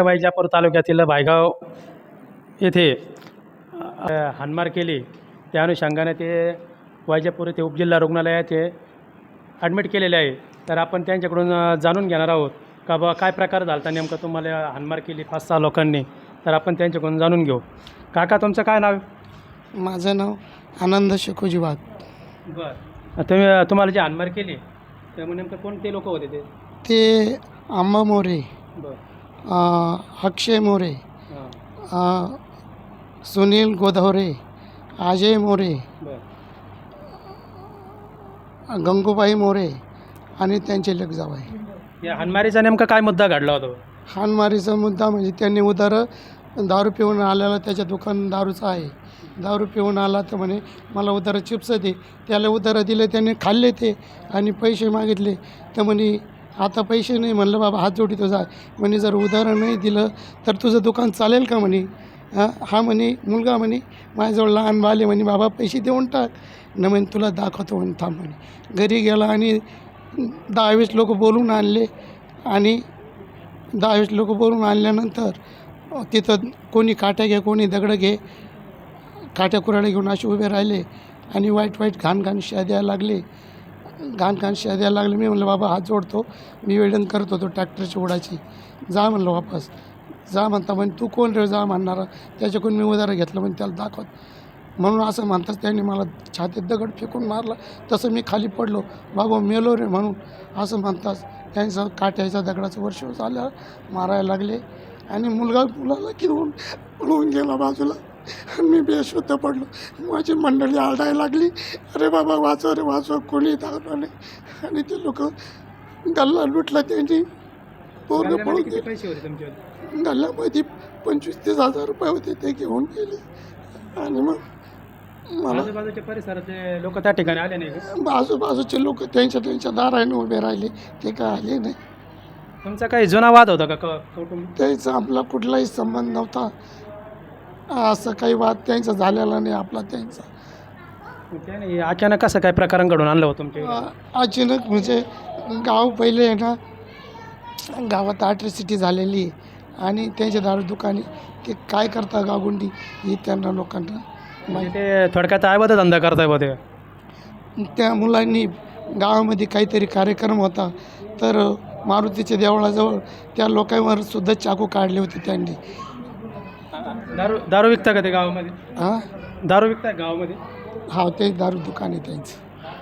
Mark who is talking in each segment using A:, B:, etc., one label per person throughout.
A: वैजापूर तालुक्यातील भायगाव येथे हाणमार केली, त्या अनुषंगाने ते वैजापूर येथे उपजिल्हा रुग्णालयात ते ॲडमिट केलेले आहे. तर आपण त्यांच्याकडून जाणून घेणार आहोत का बा काय प्रकार झाला नेमका, तुम्हाला हाणमार केली 5-6 लोकांनी. तर आपण त्यांच्याकडून जाणून घेऊ. काका, तुमचं काय नाव?
B: माझं नाव आनंद शेखोजी वाघ.
A: बरं, तुम्हाला जी हाणमार केली त्यामुळे नेमकं कोणते लोक होते ते?
B: ते आंबा मोरे,
A: बरं.
B: अक्षय मोरे,
A: हां.
B: सुनील गोधवरे, अजय मोरे,
A: बरं.
B: गंगूबाई मोरे आणि त्यांचे लेक जावई.
A: या हाणमारीचा नेमका काय मुद्दा घडला होता?
B: हाणमारीचा मुद्दा म्हणजे त्यांनी दारू पिऊन आलेला, त्याच्या दुकान दारूचं आहे. दारू पिऊन आला तर म्हणे मला उधार चिप्स दे. त्याला उधार दिले, त्याने खाल्ले ते आणि पैसे मागितले. तर म्हणे आता पैसे नाही. म्हणलं बाबा हात जोडीतो जा. म्हणे जर उधार नाही दिलं तर तुझं दुकान चालेल का म्हणे. हा म्हणे मुलगा म्हणे माझ्याजवळ लहान बाले म्हणे बाबा पैसे देऊन टाक. न म्हणे तुला दाखवतो म्हणे, थांब म्हणे. घरी गेला आणि 10-20 लोक बोलून आणले आणि 10-20 लोक बोलून आणल्यानंतर तिथं कोणी काट्या घे, कोणी दगडं घे, काट्या कुऱ्हाड्या घेऊन असे उभे राहिले आणि वाईट घाण शिव्या द्यायला लागले. घाण शिव्या द्यायला लागले. मी म्हणलं बाबा हात जोडतो, मी वेल्डिंग करत होतो ट्रॅक्टरची उडाची, जा म्हणलं वापस. जा म्हणता म्हणे तू कोण रे जा म्हणणारा, त्याच्याकडून मी उधार घेतलं म्हणजे त्याला दाखवत. म्हणून असं म्हणताच त्यांनी मला छातीत दगड फेकून मारला. तसं मी खाली पडलो, बाबा मेलो रे म्हणून. असं म्हणताच त्यांचं काट्याच्या दगडाचं वर्ष झालं मारायला लागले आणि मुलाला घेऊन पळून गेला बाजूला. मी बेशुद्ध पडलो. माझी मंडळी आरडायला लागली, अरे बाबा वाचव रे वाचव, कोणी धावलं नाही. आणि ते लोक गल्ला लुटला त्यांनी, पूर्ण पळून
A: किती पैसे होते तुमच्याकडे?
B: गल्ल्यामध्ये 25-30 हजार रुपये होते, ते घेऊन गेले. आणि मग मला
A: आजूबाजूच्या परिसराचे लोक त्या ठिकाणी आले नाही का?
B: आजूबाजूचे लोक त्यांच्या दाराने उभे राहिले, ते काय आले नाही.
A: तुमचा काही जुना वाद होता का कौटुंबिक?
B: त्याचा आपला कुठलाही संबंध नव्हता. असं काही वाद त्यांचा झालेला नाही, आपला त्यांचा.
A: त्याने अचानक कसं काय प्रकरण घडून आणलं होतं तुमच्या?
B: अचानक म्हणजे गाव पहिले आहे ना, गावात अॅट्रॉसिटी झालेली आणि त्यांच्या दारू दुकाने ते काय करता गावगुंडी ही त्यांना लोकांना
A: म्हणजे ते थोडक्यात आयबद धंदा करताय बा ते.
B: त्या मुलांनी गावामध्ये काहीतरी कार्यक्रम होता तर मारुतीच्या देवळाजवळ त्या लोकांवर सुद्धा चाकू काढले होते त्यांनी.
A: दारू विकता का ते गावामध्ये?
B: हां,
A: दारू विकताय गावामध्ये?
B: हा, ते दारू दुकान आहे त्यांचं.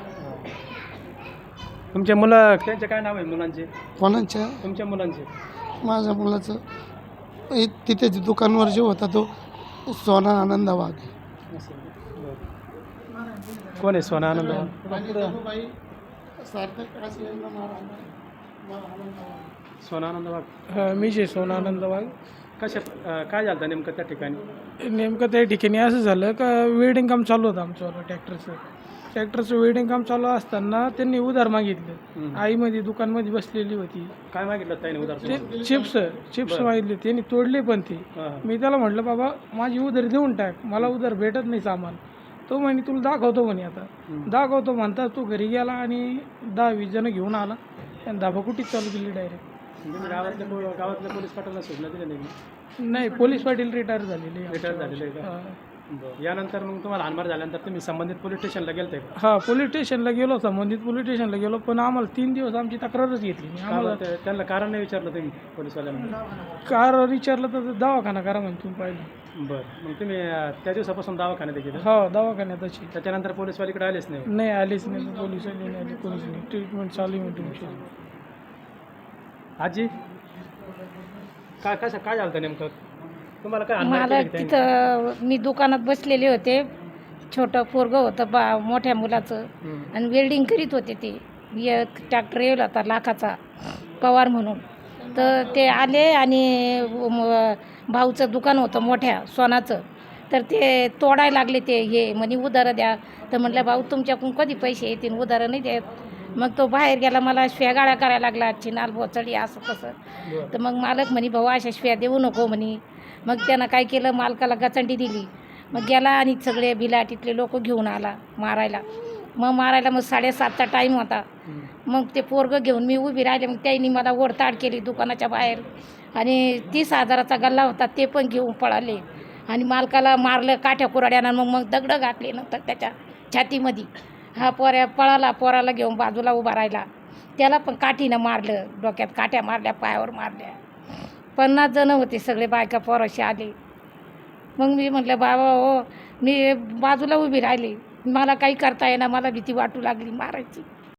A: तुमचे मुलं, त्यांचे काय नाव आहे मुलांचे?
B: कोणाच्या?
A: तुमच्या मुलांचे?
B: माझ्या मुलाचं तिथे दुकानवर जो होता तो सोना आनंद वाघ.
A: कोण आहे सोना आनंद? सोना आनंद वाघ.
C: मी जे सोना आनंद वाघ.
A: कशा काय झालं नेमकं त्या ठिकाणी?
C: नेमकं त्या ठिकाणी असं झालं का वेल्डिंग काम चालू होतं आमचं ट्रॅक्टरचं वेल्डिंग काम चालू असताना त्यांनी उधार मागितलं. आईमध्ये दुकानमध्ये बसलेली होती.
A: काय मागितलं त्याने उधार?
C: ते चिप्स मागितले, त्यांनी तोडले पण ते. मी त्याला म्हटलं बाबा माझी उधार देऊन टाक, मला उधार भेटत नाही सामान. तो म्हणे तुला दाखवतो म्हणे. आता दाखवतो म्हणता तो घरी गेला आणि 10-20 जण घेऊन आला आणि धाबाकुटीच चालू केली डायरेक्ट.
A: गावातल्या पोलीस पाटलांना सूचना दिल्या नाही?
C: नाही, पोलीस पाटील रिटायर झालेले.
A: रिटायर झालेलं आहे का? यानंतर मग तुम्हाला हाणमार झाल्यानंतर तुम्ही संबंधित पोलीस स्टेशनला गेलते का?
C: हां, पोलीस स्टेशनला गेलो, संबंधित पोलीस स्टेशनला गेलो, पण आम्हाला 3 दिवस आमची तक्रारच घेतली नाही. आम्हाला
A: त्यांना कारण नाही विचारलं तुम्ही पोलीसवाल्यांना?
C: कार विचारलं तर दवाखाना करा म्हणून तुम्ही पाहिलं.
A: बरं, मग तुम्ही त्या दिवसापासून दवाखान्यात गेले?
C: हो, दवाखान्यात अशी.
A: त्याच्यानंतर पोलीसवालीकडे आलेच नाही?
C: नाही, आलीच नाही, पोलीस नाही आली, कोणीच नाही. ट्रीटमेंट चालू आहे तुमची.
A: आजी, काय झालं होतं नेमकं तुम्हाला? काय
D: मला तिथं मी दुकानात बसलेले होते, छोटं पोरगं होतं मोठ्या मुलाचं, आणि वेल्डिंग करीत होते. ते एक ट्रॅक्टर येईल होता लाखाचा पवार म्हणून. तर ते आले आणि भाऊचं दुकान होतं मोठ्या सोनाचं, तर ते तोडायला लागले. ते हे म्हणे उधारं द्या. तर म्हटलं भाऊ तुमच्याकडून कधी पैसे येतील, उधारं नाही देत. मग तो बाहेर गेला, मला शिव्यागाळ्या करायला लागला, चिनाल भोचडी असं तसं. तर मग मालक म्हणे भाऊ अशा शिव्या देऊ नको म्हणे. मग त्यानं काय केलं, मालकाला गचंडी दिली. मग गेला आणि सगळे बिलाटीतले लोक घेऊन आला मारायला. मग 7:30चा टाईम होता. मग ते पोरगं घेऊन मी उभी राहिले. मग त्यांनी मला ओढताड केली दुकानाच्या बाहेर. आणि 30,000चा गल्ला होता ते पण घेऊन पळाले आणि मालकाला मारलं काठ्या कुऱ्हाड्यानं. मग दगडं घातले नंतर त्याच्या छातीमध्ये. हा पळाला, पोराला घेऊन बाजूला उभा राहिला. त्याला पण काठीनं मारलं, डोक्यात काठ्या मारल्या, पायावर मारल्या. 50 जणं होते, सगळे बायका पोराशी आले. मग मी म्हटलं बाबा हो, मी बाजूला उभी राहिली, मला काही करता येईना, मला भीती वाटू लागली मारायची.